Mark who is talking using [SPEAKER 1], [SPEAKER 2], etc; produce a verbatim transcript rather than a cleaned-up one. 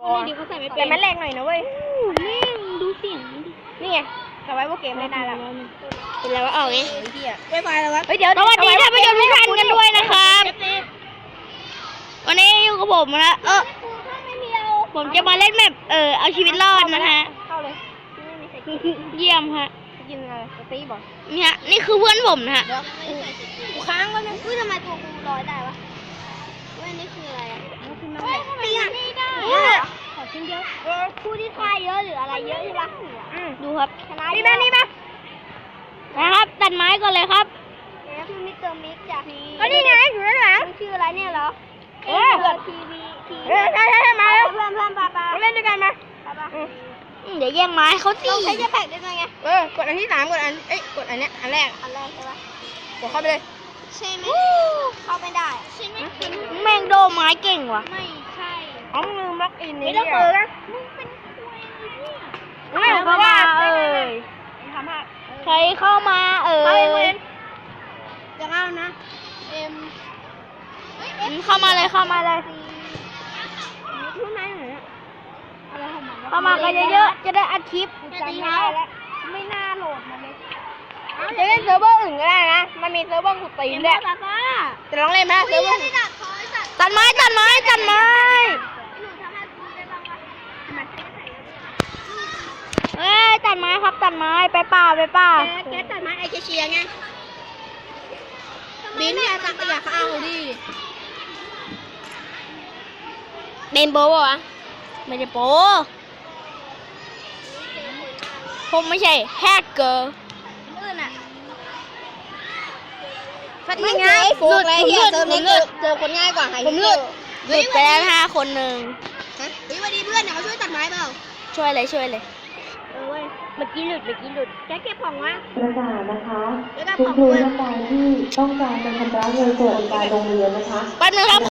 [SPEAKER 1] ดีเขาใส่ไม่เป็น
[SPEAKER 2] แต่มันแรงหน่อยนะเว้ย
[SPEAKER 1] แม่งดูเสียงดิ
[SPEAKER 2] นี่ไงสบายพวกเกมเล่นได้แล้ว
[SPEAKER 1] เป็นแล้วว่าเอาไง
[SPEAKER 2] ไม่ไปแล้ววะ
[SPEAKER 1] เฮ้ยเดี๋ยวสวัสดีท่านผู้ชมทุกท่านกันด้วยนะครับ วันนี้อยู่กับผมนะเออผมจะมาเล่นแมปเออเอาชีวิตรอดนะฮะ
[SPEAKER 2] เข้าเลย
[SPEAKER 1] เยี่ยมฮะ
[SPEAKER 2] กินอะไรสตีบอก
[SPEAKER 1] นี่ฮะนี่คือเพื่อนผมนะฮะ
[SPEAKER 2] กูค้างไว้เลย
[SPEAKER 3] อุ้ยทำไมตัวกูลอยได้วะเว้ยนี่คืออะไรอ่ะ
[SPEAKER 2] เฮ้ยทำไมอ่ะ
[SPEAKER 3] นี่ได้
[SPEAKER 2] ขอชิ้นเดียว
[SPEAKER 3] ผู้ที่ฆ่าเยอะหรืออะไรเยอะใช่ปะ
[SPEAKER 1] ดูครับ
[SPEAKER 3] ชนะ
[SPEAKER 2] นี่มานี่มา
[SPEAKER 1] นะครับตัดไม้ก่อนเลยครับ
[SPEAKER 3] แล้วพี่มิสเตอร์มิกจาก
[SPEAKER 2] ก็นี่ไงอยู่ด้านหลัง
[SPEAKER 3] มันชื่ออะไรเนี่ยเหรอ
[SPEAKER 2] เออ
[SPEAKER 3] ทีวีที
[SPEAKER 2] เออใช่ใช่ใช่มาแล้ว
[SPEAKER 3] เพื่อนเพื่อนปาปา
[SPEAKER 2] มาเล่นด้วยกันมา
[SPEAKER 3] ปาปา
[SPEAKER 2] อืม
[SPEAKER 1] อืมเดี๋ยวแย่งไม้เขาสิ
[SPEAKER 3] เราใช้เจ็ตแพ็กได้ไง
[SPEAKER 2] เออกดอันที่สามกดอันเอ้ยกดอันเนี้ยอันแรก
[SPEAKER 3] อันแรกใช่ปะ
[SPEAKER 2] กดเข้าไปเลย
[SPEAKER 3] ใช่ไหมเข้าไม่ได้ใช่ไหม
[SPEAKER 1] แม่งโดไม้เก่งว่ะ
[SPEAKER 3] ไม่ใช่
[SPEAKER 2] อ๋อมึงลืมล็อกอินนี่
[SPEAKER 3] ไม่ต้องเปิดนะ
[SPEAKER 2] ไม่
[SPEAKER 1] เข้ามาเอ่ย
[SPEAKER 2] ทำให้
[SPEAKER 1] ใครเข้ามาเอ่
[SPEAKER 2] เอาเองเว้
[SPEAKER 1] ย
[SPEAKER 2] ยจะเข้านะ
[SPEAKER 3] เอ็ม
[SPEAKER 1] อืมเข้ามาเลยเข้ามาเลย
[SPEAKER 2] รู้ไหมเหรอเนี่ย
[SPEAKER 3] อะไรของมันวะ
[SPEAKER 1] เข้ามากันเยอะๆจะได้อัดคลิป
[SPEAKER 2] กูจำไม่ได้แล้วไม่น่าโหลดมาเลยจะเล่นเซิร์ฟเวอร์อื่นก็ได้นะมันมีเซิร์ฟเวอร์กูตีนด้วย
[SPEAKER 3] ปาปา
[SPEAKER 2] จะลองเล่นไหมเซิร์ฟเวอร์
[SPEAKER 3] นี่ดักคอยสัตว์
[SPEAKER 1] ตัดไม้ตัดไม้ตัดไม้
[SPEAKER 3] หนูทำให้กูได้บ้างปะทำไม
[SPEAKER 1] เอ้ยตัดไม้ครับตัดไม้ไปป่าไปป่า
[SPEAKER 2] แกแกตัดไม้ไอเชียไงบินอย่าตักอย่าเอาดิ
[SPEAKER 1] เบนโบว์วะไม่ได้โปผมไม่ใช่แฮกเกอร์
[SPEAKER 3] อื่นอ่ะ
[SPEAKER 2] ฟัดง่ายฟุกเลยเฮียเซิร์ฟนี้เจอเจอคนง่ายกว่าไฮ
[SPEAKER 1] ผมหลุดหลุดไปแล้วห้าคนหนึ่ง
[SPEAKER 2] ฮะเฮ้ยวันนี้เพื่อนเดี๋ยวมาช่วยตัดไม้เปล่า
[SPEAKER 1] ช่วยเลยช่วยเลย
[SPEAKER 2] เออเว้ย
[SPEAKER 1] เมื่อกี้หลุดเมื่อกี้หลุด
[SPEAKER 2] แกเก็บของวะ
[SPEAKER 4] ประกาศนะคะ
[SPEAKER 2] แล้วก็
[SPEAKER 4] คุณ
[SPEAKER 2] ของ
[SPEAKER 4] ครู
[SPEAKER 2] ด้วย
[SPEAKER 4] ท่านใดที่ต้องการจะชำระเงินสวัสดิการโรงเรียนนะคะ
[SPEAKER 1] แป๊บนึงครับ